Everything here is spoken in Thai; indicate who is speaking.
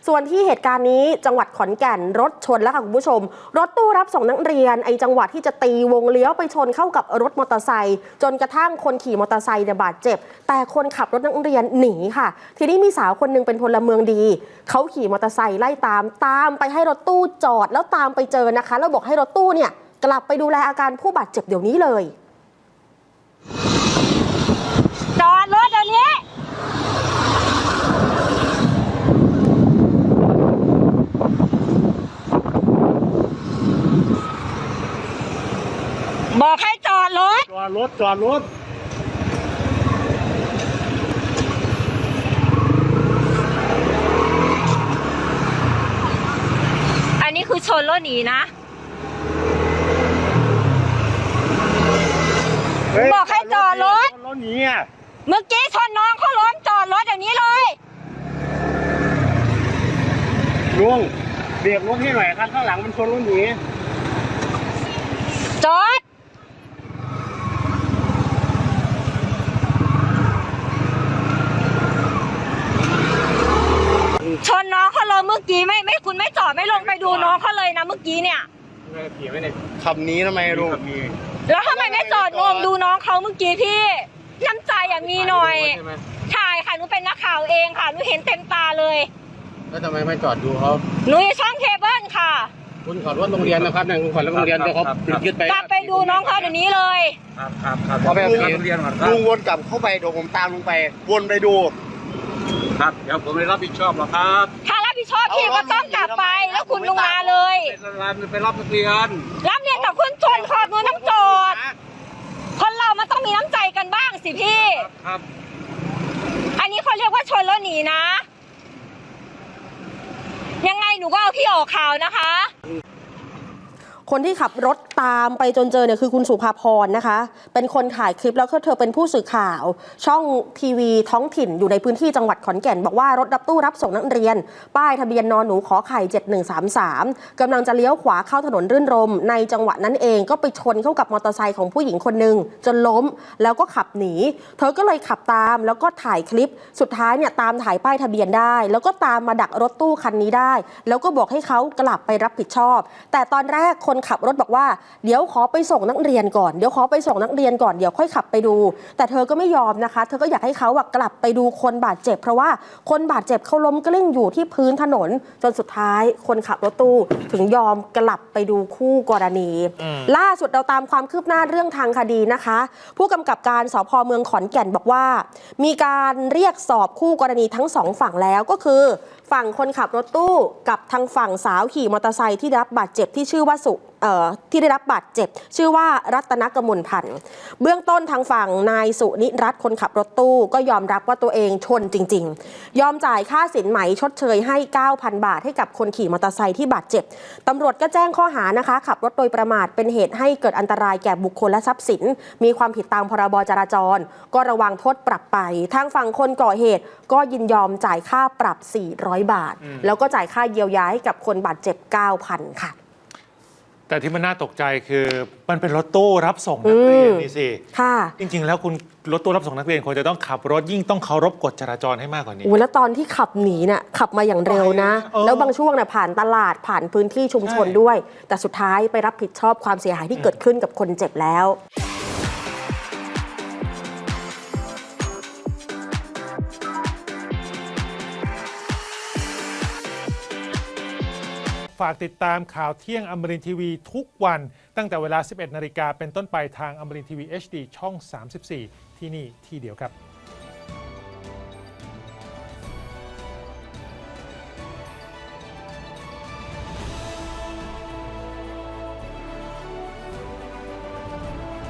Speaker 1: ส่วนที่เหตุการณ์นี้จังหวัดขอนแก่นรถชนแล้วค่ะคุณผู้ชมรถตู้รับส่งนักเรียนจังหวะที่จะตีวงเลี้ยวไปชนเข้ากับรถมอเตอร์ไซค์จนกระทั่งคนขี่มอเตอร์ไซค์บาดเจ็บแต่คนขับรถนักเรียนหนีค่ะทีนี้มีสาวคนนึงเป็นพลเมืองดีเขาขี่มอเตอร์ไซค์ไล่ตามไปให้รถตู้จอดแล้วตามไปเจอนะคะแล้วบอกให้รถตู้เนี่ยกลับไปดูแลอาการผู้บาดเจ็บเดี๋ยวนี้เลย
Speaker 2: จอดรถเดี๋ยวนี้บอกให้จอดรถ
Speaker 3: จอดรถ
Speaker 2: อันนี้คือชนรถหนีนะบอกให้จอดรถ
Speaker 3: หนีอ่ะ
Speaker 2: เมื่อกี้ชนน้องเขาล้มจอดรถอย่างนี้เลย
Speaker 3: ลุงเบรกรถให้หน่อยคันข้างหลังมันชนรถหนี
Speaker 2: จอดชนน้องเขาเลยเมื่อกี้ไม่คุณไม่จอดไม่ลงไปดูน้องเขาเลยนะเมื่อกี้เนี่ย
Speaker 3: ขี่ไม่ได้ขับนี้ทำไมลุง
Speaker 2: แล้วทำไมไม่จอดงมดูน้องเขาเมื่อกี้พี่น้ำใจมีหน่อยถ่ายค่ะหนูเป็นนักข่าวเองค่ะหนูเห็นเต็มตาเลย
Speaker 3: แล้วทำไมไม่จอดดูเขา
Speaker 2: หนูอยู่ช่องเคเบิลค่ะ
Speaker 3: คุณขอรถโรงเรียนนะครับเนี่ยคุณขอรถโรงเรียนเดี๋ยวเขายึดไป
Speaker 2: กลับไปดูน้องเขาเดี๋ยวนี้เลย
Speaker 3: ครับเอาไปโรงเรียนก่อนลุงวนกลับเข้าไปเดี๋ยวผมตามลุงไปวนไปดูครับเดี๋ยวผมไม่รับผิดชอบหรอกครับ
Speaker 2: ถ้ารับผิดชอบพี่ก็ต้องกลับไปแล้วคุณลงมาเลย
Speaker 3: ไปรับนักเรียน
Speaker 2: แต่คุณชนขอบมือน้ำจอดคนเรามันต้องมีน้ำใจกันบ้างสิพี่
Speaker 3: ครับ
Speaker 2: อันนี้เขาเรียกว่าชนแล้วหนีนะยังไงหนูก็เอาพี่ออกข่าวนะคะ
Speaker 1: คนที่ขับรถตามไปจนเจอเนี่ยคือคุณสุภาพรนะคะเป็นคนถ่ายคลิปแล้วก็เธอเป็นผู้สื่อข่าวช่องทีวีท้องถิ่นอยู่ในพื้นที่จังหวัดขอนแก่นบอกว่ารถตู้รับส่งนักเรียนป้ายทะเบียนนหนูขอไข่7133กำลังจะเลี้ยวขวาเข้าถนนรื่นรมในจังหวะนั้นเองก็ไปชนเข้ากับมอเตอร์ไซค์ของผู้หญิงคนหนึ่งจนล้มแล้วก็ขับหนีเธอก็เลยขับตามแล้วก็ถ่ายคลิปสุดท้ายเนี่ยตามถ่ายป้ายทะเบียนได้แล้วก็ตามมาดักรถตู้คันนี้ได้แล้วก็บอกให้เขากลับไปรับผิดชอบแต่ตอนแรกคนขับรถบอกว่าเดี๋ยวขอไปส่งนักเรียนก่อนเดี๋ยวค่อยขับไปดูแต่เธอก็ไม่ยอมนะคะเธอก็อยากให้เขากลับไปดูคนบาดเจ็บเพราะว่าคนบาดเจ็บเขาล้มกลิ้งอยู่ที่พื้นถนนจนสุดท้ายคนขับรถตู้ถึงยอมกลับไปดูคู่กรณีล่าสุดเราตามความคืบหน้าเรื่องทางคดีนะคะผู้กำกับการสภ.เมืองขอนแก่นบอกว่ามีการเรียกสอบคู่กรณีทั้งสองฝั่งแล้วก็คือฝั่งคนขับรถตู้กับทางฝั่งสาวขี่มอเตอร์ไซค์ที่ได้รับบาดเจ็บที่ชื่อว่าที่ได้รับบาดเจ็บชื่อว่ารัตนกมลพันธ์เบื้องต้นทางฝั่งนายสุนิรัตน์คนขับรถตู้ก็ยอมรับว่าตัวเองชนจริงๆยอมจ่ายค่าสินไหมชดเชยให้ 9,000 บาทให้กับคนขี่มอเตอร์ไซค์ที่บาดเจ็บตำรวจก็แจ้งข้อหานะคะขับรถโดยประมาทเป็นเหตุให้เกิดอันตรายแก่บุคคลและทรัพย์สินมีความผิดตามพรบจราจรก็ระวังโทษปรับไปทางฝั่งคนก่อเหตุก็ยินยอมจ่ายค่าปรับ400 บาทแล้วก็จ่ายค่าเยียวยาให้กับคนบาดเจ็บ 9,000 ค่ะ
Speaker 4: แต่ที่มันน่าตกใจคือมันเป็นรถตู้รับส่งนักเรียนนี่สิ
Speaker 1: ค่ะ
Speaker 4: จริงๆแล้วคุณรถตู้รับส่งนักเรียนควรจะต้องขับรถยิ่งต้องเคารพกฎจราจรให้มากกว่านี้
Speaker 1: แล้วตอนที่ขับหนีน่ะขับมาอย่างเร็วนะแล้วบางช่วงน่ะผ่านตลาดผ่านพื้นที่ชุมชนด้วยแต่สุดท้ายไปรับผิดชอบความเสียหายที่เกิดขึ้นกับคนเจ็บแล้ว
Speaker 4: ฝากติดตามข่าวเที่ยงอมรินทร์ทีวีทุกวันตั้งแต่เวลา 11 นาฬิกาเป็นต้นไปทางอมรินทร์ทีวี HD ช่อง 34 ที่นี่ที่เดียวครับ